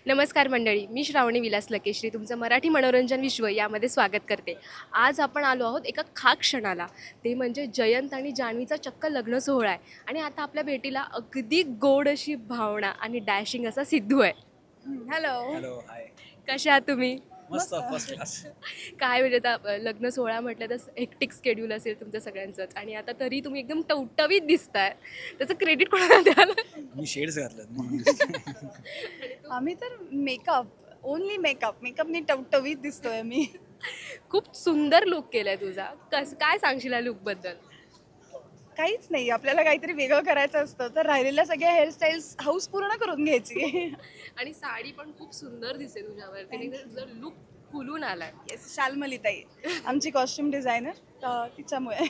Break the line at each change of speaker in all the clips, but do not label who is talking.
नमस्कार मंडळी, मी श्रावणी विलास लकेश्री तुमचं मराठी मनोरंजन विश्व यामध्ये स्वागत करते. आज आपण आलो आहोत एका खास क्षणाला, ते म्हणजे जयंत आणि जान्हवीचा चक्क लग्न सोहळा आहे. आणि आता आपल्या भेटीला अगदी गोड अशी भावना आणि डॅशिंग असा सिद्धू आहे. Hello,
hello hi.
कशा आहात तुम्ही?
मस्त फर्स्ट क्लास.
काय म्हणजे आता लग्न सोहळा म्हटलं तर हेक्टिक स्केड्यूल असेल तुमचं सगळ्यांचंच, आणि आता तरी तुम्ही एकदम टवटवीत दिसताय. त्याचं क्रेडिट कोणाला द्याल?
मी शेड्स घातलेत म्हणून.
आम्ही तर मेकअप ओनली मेकअपनी टवटवीत दिसतोय मी.
खूप सुंदर लुक केलाय तुझा. काय सांगशील या लुकबद्दल?
काहीच नाही, आपल्याला काहीतरी वेगळं करायचं असतं तर राहिलेल्या सगळ्या हेअरस्टाईल्स हाऊस पूर्ण करून घ्यायची.
आणि साडी पण खूप सुंदर दिसते तुझ्यावर. तुझं लुक खुलून आलाय.
येस, शाल्मलीताई आमची कॉस्ट्युम डिझायनर, तिच्यामुळे.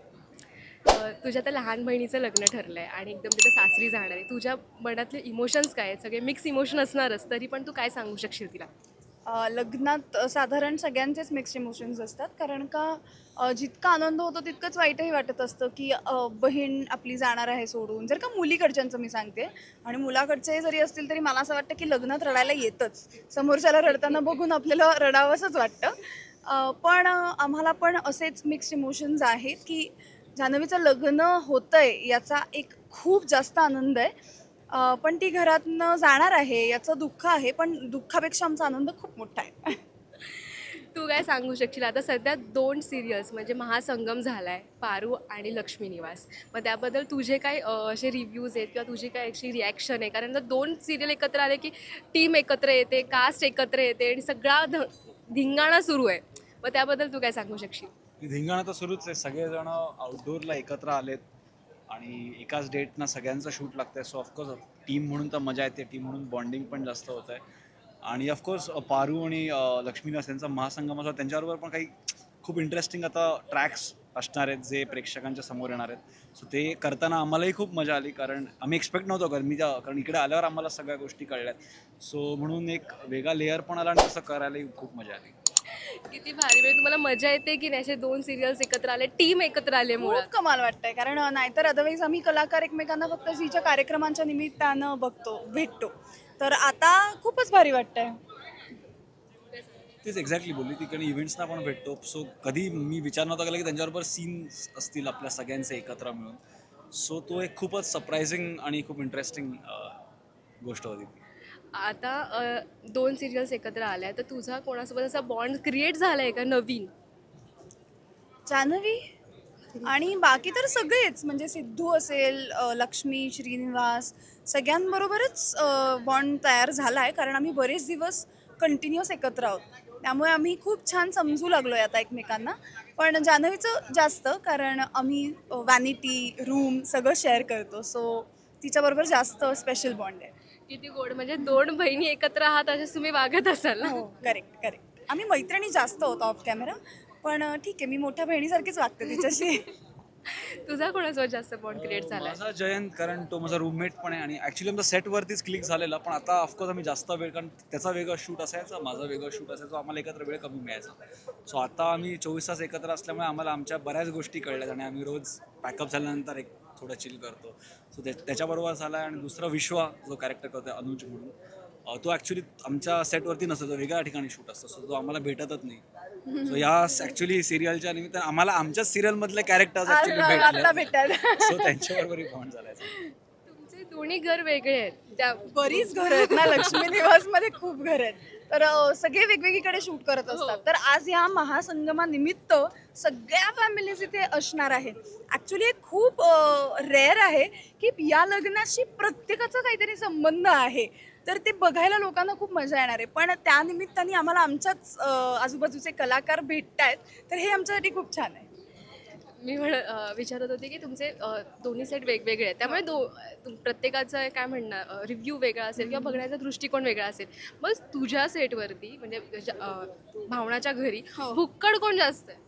तुझ्या त्या लहान बहिणीचं लग्न ठरलंय आणि एकदम तिथे सासरी जाणार आहे. तुझ्या मनातले इमोशन्स काय आहेत? सगळे मिक्स इमोशन असणारच, तरी पण तू काय सांगू शकशील तिला?
लग्नात साधारण सगळ्यांचेच मिक्स इमोशन्स असतात, कारण का जितका आनंद होतो तितकंच वाईटही वाटत असतं की बहीण आपली जाणार आहे सोडून. जर का मुलीकडच्यांचं मी सांगते, आणि मुलाकडचे जरी असतील तरी मला असं वाटतं की लग्नात रडायला येतच. समोरच्याला रडताना बघून आपल्याला रडावंसंच वाटतं. पण आम्हाला पण असेच मिक्स इमोशन्स आहेत की जान्हवीचं लग्न होतंय याचा एक खूप जास्त आनंद आहे. पण ती घरातनं जाणार आहे याचं दुःख आहे, पण दुःखापेक्षा आमचा आनंद खूप मोठा आहे.
तू काय सांगू शकशील? आता सध्या 2 सिरियल्स म्हणजे महासंगम झालाय, पारू आणि लक्ष्मी निवास. मग त्याबद्दल तुझे काय असे रिव्ह्यूज आहेत किंवा तुझी काय अशी रिॲक्शन आहे? कारण जर 2 सिरियल एकत्र आले की टीम एकत्र येते, कास्ट एकत्र येते आणि सगळा धिंगाणा सुरू आहे. मग त्याबद्दल तू काय सांगू शकशील?
धिंगाणा तर सुरूच आहे. सगळेजण आउटडोअरला एकत्र आलेत आणि एकाच डेटना सगळ्यांचं शूट लागतंय. सो ऑफकोर्स टीम म्हणून तर मजा येते, टीम म्हणून बॉन्डिंग पण जास्त होत आहे. आणि ऑफकोर्स पारू आणि लक्ष्मीदास यांचा महासंगम असा, त्यांच्याबरोबर पण काही खूप इंटरेस्टिंग आता ट्रॅक्स असणार आहेत जे प्रेक्षकांच्या समोर येणार आहेत. सो ते करताना आम्हालाही खूप मजा आली, कारण आम्ही एक्सपेक्ट नव्हतो कारण इकडे आल्यावर आम्हाला सगळ्या गोष्टी कळल्यात. सो म्हणून एक वेगळा लेअर पण आला आणि तसं करायलाही खूप मजा आली.
किती भारी! म्हणजे तुम्हाला मजा येते की नाही असे 2 सिरियल्स एकत्र आले, टीम एकत्र आले मुळात?
खूप कमाल वाटतंय, कारण नाहीतर अदरवाईज आम्ही कलाकार एकमेकांना फक्त झीच्या कार्यक्रमांच्या निमित्तानं भेटतो. तर आता खूपच भारी वाटतंय.
तेच एक्झॅक्टली बोलली ती, कारण इव्हेंट्सना पण भेटतो. सो कधी मी विचार नव्हता केला की त्यांच्याबरोबर सीन्स असतील आपल्या सगळ्यांचे एकत्र मिळून. सो तो एक खूपच सरप्रायझिंग आणि खूप इंटरेस्टिंग गोष्ट होती.
आता 2 सिरियल्स एकत्र आल्या, तर तुझा कोणासोबत असा बॉन्ड क्रिएट झालाय का नवीन?
जान्हवी आणि बाकी तर सगळेच, म्हणजे सिद्धू असेल, लक्ष्मी, श्रीनिवास, सगळ्यांबरोबरच बॉन्ड तयार झाला आहे, कारण आम्ही बरेच दिवस कंटिन्युअस एकत्र आहोत. त्यामुळे आम्ही खूप छान समजू लागलो आहे आता एकमेकांना. पण जान्हवीचं जास्त, कारण आम्ही वॅनिटी, रूम सगळं शेअर करतो. सो तिच्याबरोबर जास्त स्पेशल बॉन्ड आहे.
किती गोड! म्हणजे 2 बहिणी एकत्र आहात असेच तुम्ही वागत असाल ना?
हो, करेक्ट. आम्ही मैत्रिणी जास्त होतो ऑफ कॅमेरा, पण ठीक आहे, मी मोठ्या बहिणीसारखीच वागते तिच्याशी.
तुझा कोणासोबत जास्त बॉन्ड क्रिएट झालाय?
माझा जयंत, कारण तो माझा रूममेट पण आहे आणि ॲक्च्युली आमचा सेटवरतीच क्लिक झालेला. पण आता ऑफकोर्स आम्ही जास्त वेळ, कारण त्याचा वेगळा शूट असायचा, माझा वेगळा शूट असायचा, आम्हाला एकत्र वेळ कमी मिळायचा. सो आता आम्ही 24 तास एकत्र असल्यामुळे आम्हाला आमच्या बऱ्याच गोष्टी कळल्यात आणि आम्ही रोज पॅकअप झाल्यानंतर एक थोडं चिल करतो. सो त्याच्याबरोबर झाला आहे. आणि दुसरा विश्वा जो कॅरेक्टर करतो आहे अनुज म्हणून, तो ॲक्च्युली आमच्या सेटवरती नसतो, तो वेगळ्या ठिकाणी शूट असतो. सो तो आम्हाला भेटतच नाही. सो या ॲक्च्युली सिरियलच्या निमित्तानं आम्हाला आमच्याच सिरियलमधले कॅरेक्टर्स ॲक्च्युली
आता
भेटले.
भेटायला
सो त्यांच्याबरोबरही बॉन्ड झाला.
तुमचे दोन्ही घर वेगळे आहेत. त्या
बरीच घरं आहेत ना, लक्ष्मी निवासमध्ये खूप घर आहेत. तर सगळे वेगवेगळीकडे शूट करत असतात. तर आज या महासंगमानिमित्त सगळ्या फॅमिलीज इथे असणार आहे. ॲक्च्युली एक खूप रेअर आहे की या लग्नाशी प्रत्येकाचा काहीतरी संबंध आहे. तर ते बघायला लोकांना खूप मजा येणार आहे. पण त्या निमित्ताने आम्हाला आमच्याच आजूबाजूचे कलाकार भेटत आहेत, तर हे आमच्यासाठी खूप छान आहे.
मी विचारत होते की तुमचे दोन्ही सेट वेगवेगळे आहेत, त्यामुळे प्रत्येकाचं काय म्हणणं रिव्ह्यू वेगळा असेल किंवा बघण्याचा दृष्टिकोन वेगळा असेल. मग तुझ्या सेटवरती म्हणजे भावनाच्या घरी
हो.
भुक्कड कोण जास्त आहे?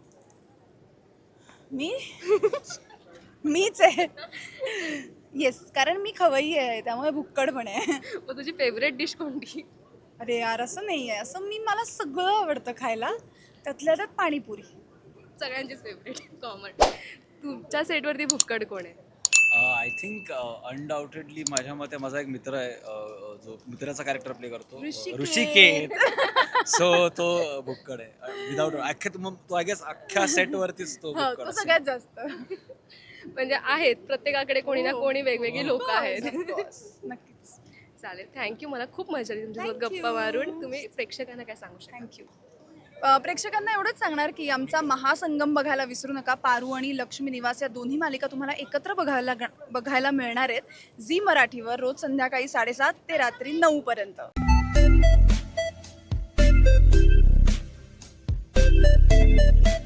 मी मीच आहे. येस, कारण मी खवय्ये आहे, त्यामुळे भुक्कड पण आहे.
मग तुझी फेवरेट डिश कोणती?
अरे यार, असं नाही आहे. मला सगळं आवडतं खायला, त्यातल्या त्यात पाणीपुरी.
सगळ्यांचीच फेवरेट कॉमन. तुमच्या सेटवरती भुक्कड कोण आहे?
आय थिंक अनडाऊटेडली माझ्या मते माझा एक मित्र आहे जो मित्राचा कॅरेक्टर प्ले करतो ऋषिकेत. सो तो भुक्कड आहे विदाऊट तो आय गेस अख्ख्या सेटवरतीच तो
हा,
भुक्कड
तो
असेल.
सगळ्यात जास्त.
म्हणजे आहेत प्रत्येकाकडे कोणी ना
हो.
कोणी वेगवेगळी लोक आहेत.
Of course. नक्कीच.
चालेल, थँक्यू. मला खूप मजा आली तुमच्यासोबत
Thank
गप्पा
you.
मारून. तुम्ही प्रेक्षकांना काय सांगू शकता?
थँक्यू. प्रेक्षकांना एवढंच सांगणार की आमचा महासंगम बघायला विसरू नका. पारू आणि लक्ष्मी निवास या दोन्ही मालिका तुम्हाला एकत्र बघायला मिळणार आहेत झी मराठीवर रोज संध्याकाळी 7:30 ते रात्री 9 पर्यंत.